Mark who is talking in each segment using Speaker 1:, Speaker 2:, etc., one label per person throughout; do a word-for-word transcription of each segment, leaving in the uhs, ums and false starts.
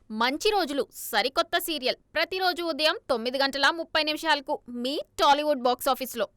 Speaker 1: మంచి రోజులు సరికొత్త సీరియల్ ప్రతిరోజు ఉదయం తొమ్మిది గంటల ముప్పై నిమిషాలకు మీ టాలీవుడ్ బాక్స్ ఆఫీస్లో.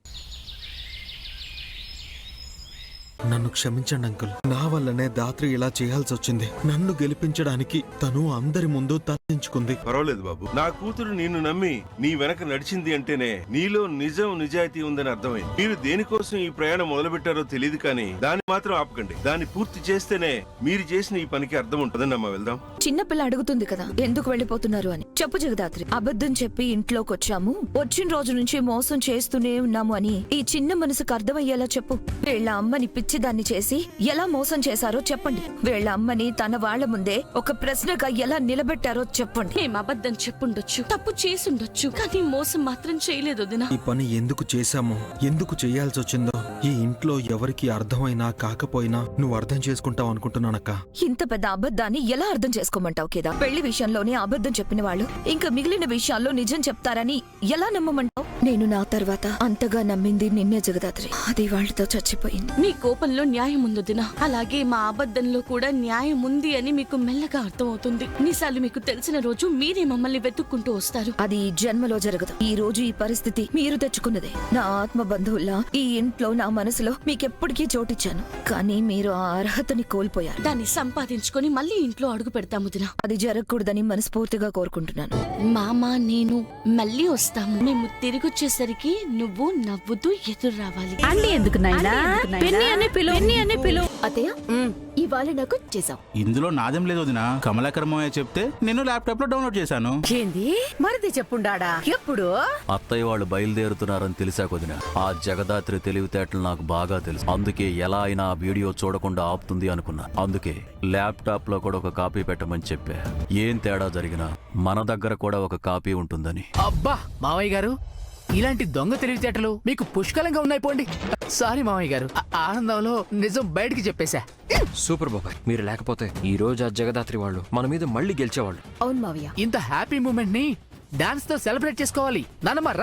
Speaker 2: నన్ను క్షమించండి అంకుల్. నా వల్లనే దాత్రి ఇలా చేయాల్సి వచ్చింది. నన్ను గెలిపించడానికి తను అందరి ముందు తప్పించుకుంది.
Speaker 3: పర్వాలేదు బాబు, నా కూతురు నిన్ను నమ్మి నీ వెనక నడిచింది అంటేనే నీలో నిజం నిజాయితీ ఉందని అర్థమైంది. మీరు దేనికోసం ఈ ప్రయాణం మొదలు పెట్టారో తెలియదు, కానీ దాన్ని మాత్రం ఆపకండి. దాన్ని పూర్తి చేస్తేనే మీరు చేసిన ఈ పనికి అర్థం ఉంటుందని అమ్మ. వెళ్దాం.
Speaker 4: చిన్నపిల్ల అడుగుతుంది కదా ఎందుకు వెళ్ళిపోతున్నారు అని. చెప్పు జగదాత్రి, అబద్ధం చెప్పి ఇంట్లోకి వచ్చాము, వచ్చిన రోజు నుంచి మోసం చేస్తూనే ఉన్నాము అని ఈ చిన్న మనసుకు అర్థమయ్యేలా చెప్పు. వీళ్ళ అమ్మని పిచ్చిదాన్ని చేసి ఎలా మోసం చేశారో చెప్పండి. వీళ్ళ అమ్మని తన వాళ్ల ముందే ఒక ప్రశ్నగా ఎలా నిలబెట్టారో చెప్పండి.
Speaker 5: ఏం అబద్ధం చెప్పుండొచ్చు, తప్పు చేసుండొచ్చు, కానీ మోసం మాత్రం చేయలేదు వదినా.
Speaker 2: ఈ పని ఎందుకు చేశామో, ఎందుకు చేయాల్సి వచ్చిందో ఈ ఇంట్లో ఎవరికి అర్థమైనా కాకపోయినా నువ్వు అర్థం చేసుకుంటావు అనుకుంటున్నానక్క.
Speaker 4: ఇంత పెద్ద అబద్ధాన్ని ఎలా అర్థం చేసుకోమంటావు కేదా? పెళ్లి విషయంలోనే అబద్ధం చెప్పిన వాళ్ళు ఇంకా మిగిలిన విషయాల్లో నిజం చెప్తారని ఎలా నమ్మమంటావు? నేను నా తర్వాత అంతగా నమ్మింది నిన్నే జగదాత్రి. అది వాళ్ళతో చచ్చిపోయింది.
Speaker 5: మీ కోపంలో న్యాయం ఉంది వదినా, అలాగే మా అబద్ధంలో కూడా న్యాయం ఉంది అని మీకు మెల్లగా అర్థమవుతుంది. నిజాలు మీకు తెలిసిన రోజు మీరే మమ్మల్ని వెతుక్కుంటూ వస్తారు.
Speaker 4: అది ఈ జన్మలో జరగదు. ఈ రోజు ఈ పరిస్థితి మీరు తెచ్చుకున్నదే. నా ఆత్మ బంధువుల్లా ఈ ఇంట్లో నా మనసులో మీకెప్పటికీ చోటిచ్చాను, కానీ మీరు ఆ అర్హతని కోల్పోయారు.
Speaker 5: దాన్ని సంపాదించుకొని మళ్ళీ ఇంట్లో అడుగు పెడతాము వదినా.
Speaker 4: అది జరగకూడదని మనస్ఫూర్తిగా కోరుకుంటున్నాను.
Speaker 5: మామ నేను మళ్ళీ వస్తాము. మేము తిరిగొచ్చేసరికి నువ్వు నవ్వుతూ ఎదురు రావాలి.
Speaker 6: అండి ఎందుకు నాయనా? పెన్ని అని పిలు, పెన్ని అని పిలు.
Speaker 7: అత్తయ్య, ఇవాళ నాకు చేసావు.
Speaker 8: ఇందులో నాదేం లేదు వదినా. కమలాకర్ మావయ్య చెప్తే నేను ల్యాప్టాప్ లో డౌన్లోడ్ చేశాను.
Speaker 6: ఏంది మరిది చెప్పుండాడా? ఎప్పుడు
Speaker 9: అత్తయ్య వాళ్ళు బయలుదేరుతున్నారని తెలిసాక వదినా, ఆ జగదాత్రి తెలివితేటలు నాకు బాగా తెలుసు. అందుకే ఎలా అయినా ఆ వీడియో చూడకుండా ఆపుతుంది అనుకున్నా. అందుకే ల్యాప్టాప్ లో కూడా ఒక కాపీ పెట్టమని చెప్పా. ఏం తేడా జరిగినా మన దగ్గర కూడా ఒక కాపీ ఉంటుందని.
Speaker 10: అబ్బా మావయ్య గారు, ఇలాంటి దొంగ తెలివితేటలు మీకు పుష్కలంగా ఉన్నాయి పోండి. సారీ మావయ్య గారు, ఆనందంలో నిజం బయటికి చెప్పేశా.
Speaker 11: సూపర్ బాబాయ్, మీరు లేకపోతే ఈ రోజు ఆ జగదాత్రి వాళ్ళు మన మీద మళ్ళీ గెలిచేవాళ్ళు.
Speaker 7: అవును మావయ్య,
Speaker 10: ఇంత హ్యాపీ మూమెంట్ ని డాన్స్ తో సెలబ్రేట్ చేసుకోవాలి. నానమ్మ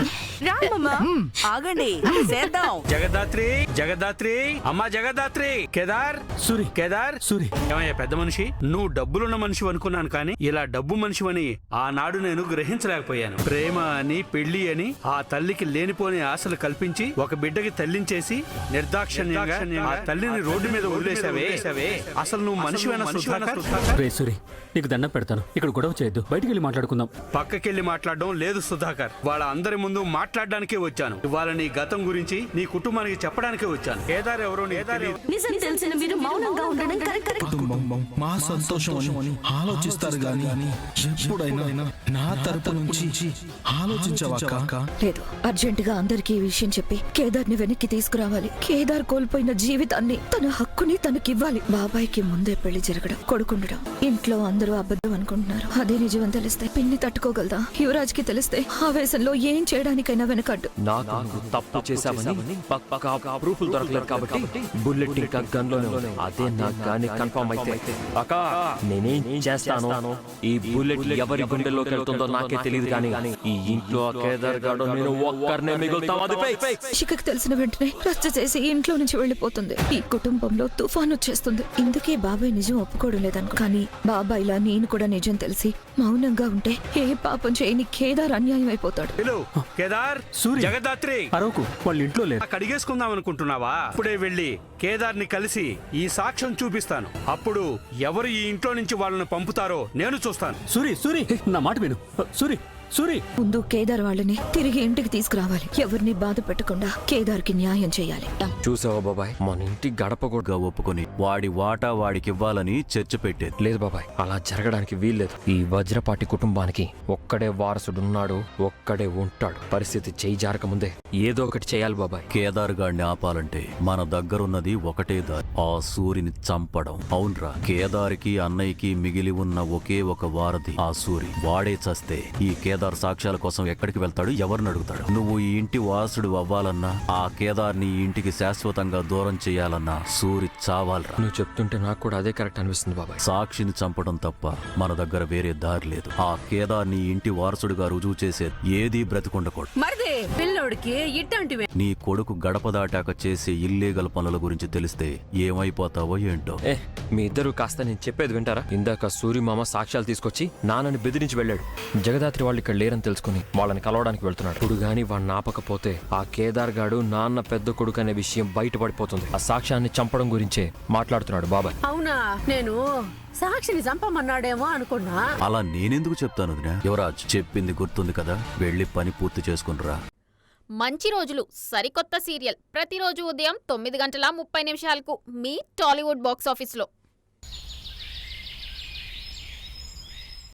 Speaker 6: ఆగండి, చేద్దాం.
Speaker 12: జగదాత్రి, జగదాత్రి, అమ్మా జగదాత్రి. కేదార్, సూరి, కేదార్, సూరి. ఏమయ్యా పెద్ద మనిషి, నువ్వు డబ్బులున్న మనిషి అనుకున్నాను, కానీ ఇలా డబ్బు మనిషివని ఆనాడు నేను గ్రహించలేకపోయాను. ప్రేమ అని, పెళ్లి అని ఆ తల్లికి లేనిపోని ఆశలు కల్పించి ఒక బిడ్డకి తల్లించేసి నిర్దాక్షిణ్యంగా ఆ తల్లిని రోడ్డు మీద వదిలేసావే. అసలు నువ్వు మనిషివైన సుధాకర్?
Speaker 13: సూరి, నీకు దండం పెడతాను, ఇక్కడ గొడవ చేయొద్దు, బయటికి వెళ్ళి మాట్లాడుకుందాం.
Speaker 12: పక్కకెళ్ళి మాట్లాడడం లేదు సుధాకర్. వాళ్ళ అందరి ముందు మాట్లాడడానికే వచ్చాను. ఇవాళ నీ గతం గురించి నీ కుటుంబానికి చెప్పడానికే వచ్చాను. కేదార్ ఎవరో
Speaker 5: నిజం తెలిసిన మీరు మౌనంగా ఉండడం కరెక్ట్.
Speaker 2: కుటుంబం మా సంతోషం అని ఆలోచిస్తారు గాని ఎప్పుడైనా నా తరపు నుంచి ఆలోచించవాక?
Speaker 4: లేదు, అర్జెంట్ గా అందరికీ ఈ విషయం చెప్పి కేదార్ ని వెనక్కి తీసుకురావాలి. కేదార్ కోల్పోయిన జీవితాన్ని, తన హక్కుని తనకివ్వాలి. బాబాయ్కి ముందే పెళ్లి జరగడం, కొడుకుండడం, ఇంట్లో అందరూ అబద్ధం అనుకుంటున్నారు. అదే నిజం అని తెలిస్తే పిన్ని తట్టుకోగలదా? యువరాజ్ కి తెలిస్తే ఆవేశంలో ఏం చేయడానికైనా వెనకడ్డు.
Speaker 11: నాకు తప్పు చేశామని పక్కా ప్రూఫ్లు దొరకలేదు కాబట్టి బుల్లెట్ ఇంకా గన్ లోనే ఉంది. అదే నాకు గానీ కన్ఫర్మ్ అయితే అక్క నేనేం చేస్తాను? ఈ బుల్లెట్ ఎవరి గుండెల్లోకి వెళ్తుందో నాకే తెలియదు, కానీ ఈ ఇంట్లో కేదార్ గాడు నేను ఒక్కరినే మిగులుతాం.
Speaker 4: శిఖకి తెలిసిన వెంటనే రచ్చ చేసి ఇంట్లో నుంచి వెళ్లిపోతుంది. ఈ కుటుంబంలో తుఫాన్ వచ్చేస్తుంది. ఇందుకే బాబాయ్ నిజం ఒప్పుకోవడం లేదనుకో. కానీ బాబాయ్లా నేను కూడా నిజం తెలిసి మౌనంగా ఉంటే ఏ పాపం చేయని కేదార్ అన్యాయం అయిపోతాడు.
Speaker 12: కేదార్, జగదాత్రి,
Speaker 13: అరవకు, వాళ్ళ ఇంట్లో లేదు.
Speaker 12: కడిగేసుకుందాం అనుకుంటున్నావా? ఇప్పుడే వెళ్ళి కేదార్ ని కలిసి ఈ సాక్ష్యం చూపిస్తాను. అప్పుడు ఎవరు ఈ ఇంట్లో నుంచి వాళ్ళని పంపుతారో నేను చూస్తాను.
Speaker 13: సూరి, సూరి, నా మాట విను. సూరి, సూరి,
Speaker 4: ముందు కేదార్ వాళ్ళని తిరిగి ఇంటికి తీసుకురావాలి. ఎవరిని బాధ పెట్టకుండా కేదార్ కి న్యాయం చేయాలి.
Speaker 11: చూసావా బాబాయ్, మన ఇంటి గడప కూడా
Speaker 9: ఒప్పుకొని వాడి వాటా వాడికి ఇవ్వాలని చర్చ పెట్టేది.
Speaker 11: లేదు బాబాయ్, అలా జరగడానికి వీల్లేదు. ఈ వజ్రపాటి కుటుంబానికి ఒక్కడే వారసుడున్నాడు, ఒక్కడే ఉంటాడు. పరిస్థితి చేయి జారక ముందే ఏదో ఒకటి చేయాలి బాబాయ్.
Speaker 9: కేదార్ గాడిని ఆపాలంటే మన దగ్గరున్నది ఒకటే దారి, ఆ సూరిని చంపడం. అవునరా, కేదార్కి అన్నయ్యకి మిగిలి ఉన్న ఒకే ఒక వారధి ఆ సూరి. వాడే చస్తే ఈ కేదార్ కేదార్ సాక్ష్యాల కోసం ఎక్కడికి వెళ్తాడు, ఎవరిని అడుగుతాడు? నువ్వు ఈ ఇంటి వారసుడు అవ్వాలన్నా, ఆ కేదార్ నీ ఇంటికి శాశ్వతంగా దూరం చేయాలన్నా సూరి చావాలరా.
Speaker 11: నువ్వు చెప్తుంటే నాకు కూడా అదే కరెక్ట్ అనిపిస్తుంది బాబాయ్.
Speaker 9: సాక్షిని చంపడం తప్ప మన దగ్గర వేరే దారి లేదు. ఆ కేదార్ నీ ఇంటి వారసుడిగా రుజువు చేసే ఏదీ బ్రతికుండకూడదు.
Speaker 6: మరిది పిల్లోడికి ఇట్టంటివే.
Speaker 9: నీ కొడుకు గడప దాటాక చేసే ఇల్లీగల్ పనుల గురించి తెలిస్తే ఏమైపోతావో ఏంటో.
Speaker 11: ఏ మీ ఇద్దరు కాస్త నేను చెప్పేది వింటారా? ఇందాక సూర్యమామ సాక్ష్యాలు తీసుకొచ్చి నాన్నని బెదిరించి వెళ్ళాడు. జగదాత్రి వాళ్ళు ఇక్కడ లేరని తెలుసుకుని వాళ్ళని కలవడానికి వెళ్తున్నాడు. ఇప్పుడు గాని వాడిని ఆపకపోతే ఆ కేదార్ గాడు నాన్న పెద్ద కొడుకు అనే విషయం బయటపడిపోతుంది. ఆ సాక్ష్యాన్ని చంపడం గురించే మాట్లాడుతున్నాడు బాబాయ్.
Speaker 6: అవునా, నేను సాక్షిని చంపమన్నాడేమో అనుకున్నా.
Speaker 9: అలా నేనెందుకు చెప్తాను వదినా? యువరాజ్ చెప్పింది గుర్తుంది కదా, వెళ్ళి పని పూర్తి చేసుకునిరా.
Speaker 1: మంచి రోజులు సరికొత్త సీరియల్ ప్రతిరోజు ఉదయం తొమ్మిది గంటల ముప్పై నిమిషాలకు మీ టాలీవుడ్ బాక్స్ ఆఫీస్లో.